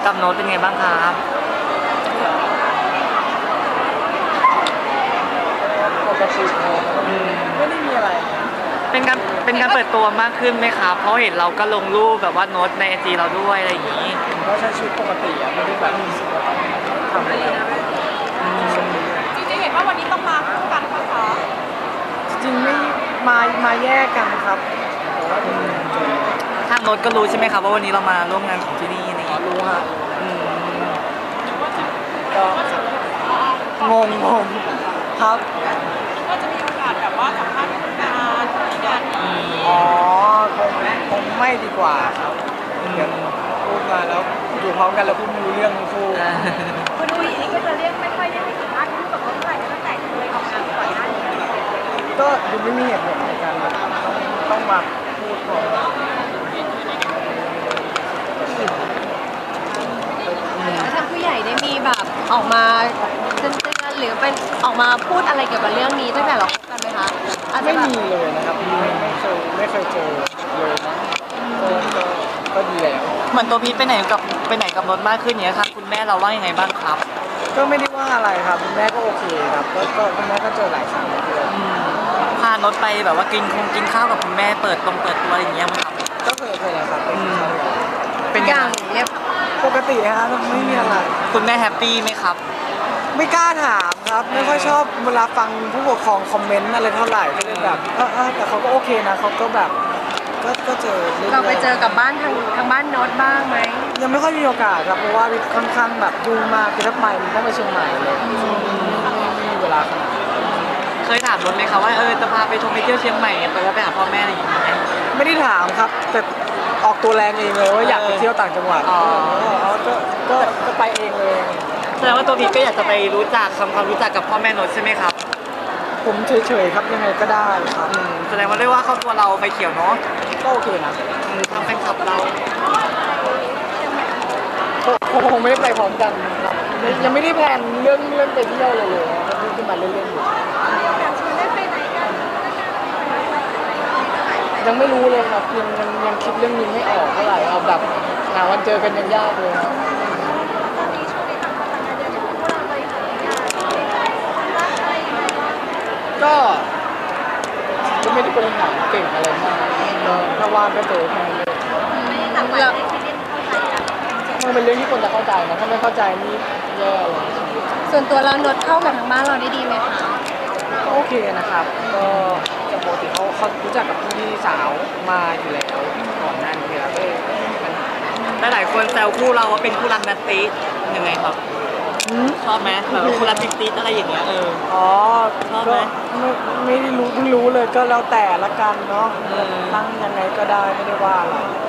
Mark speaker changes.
Speaker 1: กับโน้ตเป็นไงบ้างครับ
Speaker 2: ปกติไม่ได้มีอะไร
Speaker 1: เป็นการเปิดตัวมากขึ้นไหมครับเพราะเห็นเราก็ลงรูปแบบว่าโน้ตในไอจีเราด้วยอะไรอย่างนี้
Speaker 2: ผมก็ใช้ชีวิตปกติไม่ได้แบบรู้สึกว่าต้องทำอะไร
Speaker 3: จริงๆเห็นว่าวันนี้ต้องมาคู่กันปะคะ
Speaker 2: จริงไม่มาแยกกันครับแต่ว่า
Speaker 1: ทางโน้ตก็รู้ใช่ไหมครับว่าวันนี้เรามาร่วมงานของที่นี่นี่
Speaker 2: รู้ฮะ
Speaker 1: อืม
Speaker 2: ก็งครับ
Speaker 3: ก็จะมีโอกาสแบบว่าสัมภาษณ์คู่กันที่งานนี้
Speaker 2: อ๋อคงไม่ดีกว่าครับเดี๋ยวพูดมาแล้วอยู่พร้อมกันแล้วพูดไม่รู้เรื่องทั้งคู่
Speaker 3: คุณดูอย่างนี้ก็จะเรียกไม่ค่อยได้ให้สัมภาษณ์คู่กับเขาเท่าไหร่ตั้งแต่เคยออกงานก่อนหน้านี้
Speaker 2: ก็ดูไม่มีเหตุผลในการต้องมาพูดก่อน
Speaker 4: แล้วทางผู้ใหญ่ได้มีแบบออกมาเตือนหรือเป็นออกมาพูดอะไรเกี่ยวกับเรื่องนี้ตั้งแต่เราคบกันไหมคะอาจจะ
Speaker 2: ไม่
Speaker 4: แบบ
Speaker 2: มีเลยนะครับไม่เคยเจอเลยนะก็ดีแล้ว
Speaker 1: เหมือนตัวพีทไปไหนกับโน้ตมากขึ้นเนี้ยครับคุณแม่เราว่ายังไงบ้างครับ
Speaker 2: ก็ไม่ได้ว่าอะไรครับคุณแม่ก็โอเคครับก็คุณแม่ก็เจอหลายครั้งเลย
Speaker 1: พาโน้ตไปแบบว่ากินข้าวกับคุณแม่เปิดตัวอะไรอย่างเงี้ยมั้งครับ
Speaker 2: ก็เคยแล้วครับ
Speaker 1: เป็น
Speaker 4: อย่างเรียบ
Speaker 2: ปกติฮะไม่มีอะไร
Speaker 1: คุณแม่แฮปปี้ไหมครับ
Speaker 2: ไม่กล้าถามครับไม่ค่อยชอบเวลาฟังผู้ปกครองคอมเมนต์อะไรเท่าไหร่ก็เลยแบบแต่เขาก็โอเคนะเขาก็แบบก็เจอ
Speaker 4: เราไปเจอกับบ้านทางบ้านโน้ตบ้างไหม
Speaker 2: ยังไม่ค่อยมีโอกาสครับเพราะว่าค่อนข้างแบบยุ่งมากคือถ้าไปมันต้องไปเชียงใหม่เลยไม่มีเวลาขนาด
Speaker 1: เคยถามโน้ตไหมครับว่าจะพาไปเที่ยวเชียงใหม่ไปแล้วไปหาพ่อแม่อะไรอย่างเงี้ย
Speaker 2: ไม่ได้ถามครับแต่ออกตัวแรงเองเลยว่าอยากไปเที่ยวต่างจังหวัดก็ไปเองเลย
Speaker 1: แสดงว่าตัวพีทก็อยากจะไปทำความรู้จักกับพ่อแม่โน้ตใช่ไหมครับ
Speaker 2: ผมเฉยๆครับยังไงก็ได้ครับ
Speaker 1: แสดงว่าเรียกว่าครอบครัวเราไปเขียวเนาะ
Speaker 2: ก็โอเคนะ
Speaker 1: ทางแฟนคลับเรา
Speaker 2: คงไม่ได้ไปพร้อมกันครับยังไม่ได้แพลนเรื่องไปเที่ยวเลยขึ้นมาเล่นๆอยู่ยังไม่รู้เลยครับยังคิดเรื่องนี้ไม่ออกเท่าไหร่เอาแบบหาวันเจอกันยังยากเลยครับก็ไม่ได้เป็นหนังเก่งอะไรมากถ้าว่างก็เจอแค่นั้นเลยมันเป็นเรื่องที่คนจะเข้าใจนะถ้าไม่เข้าใจนี่แย่เลย
Speaker 4: ส่วนตัวเราโน้ตเข้ากับทางบ้านเราได้ดีไหมคะ
Speaker 2: ก็โอเคนะครับก็ปกติเขารู้จักกับพี่สาวมาอยู่แล้วก่อนหน้านี้แล้วก็
Speaker 1: หลายคนแซวคู่เราว่าเป็นคู่รักนัตตี้ยังไงครับชอบไหมแบบคู่รักติ๊ดอะไรอย่างเงี้ย
Speaker 2: อ๋อ
Speaker 1: ชอบไหม
Speaker 2: ไม่ได้รู้เพิ่งรู้เลยก็แล้วแต่ละกันเนาะตั้งยังไงก็ได้ไม่ได้ว่าหรอก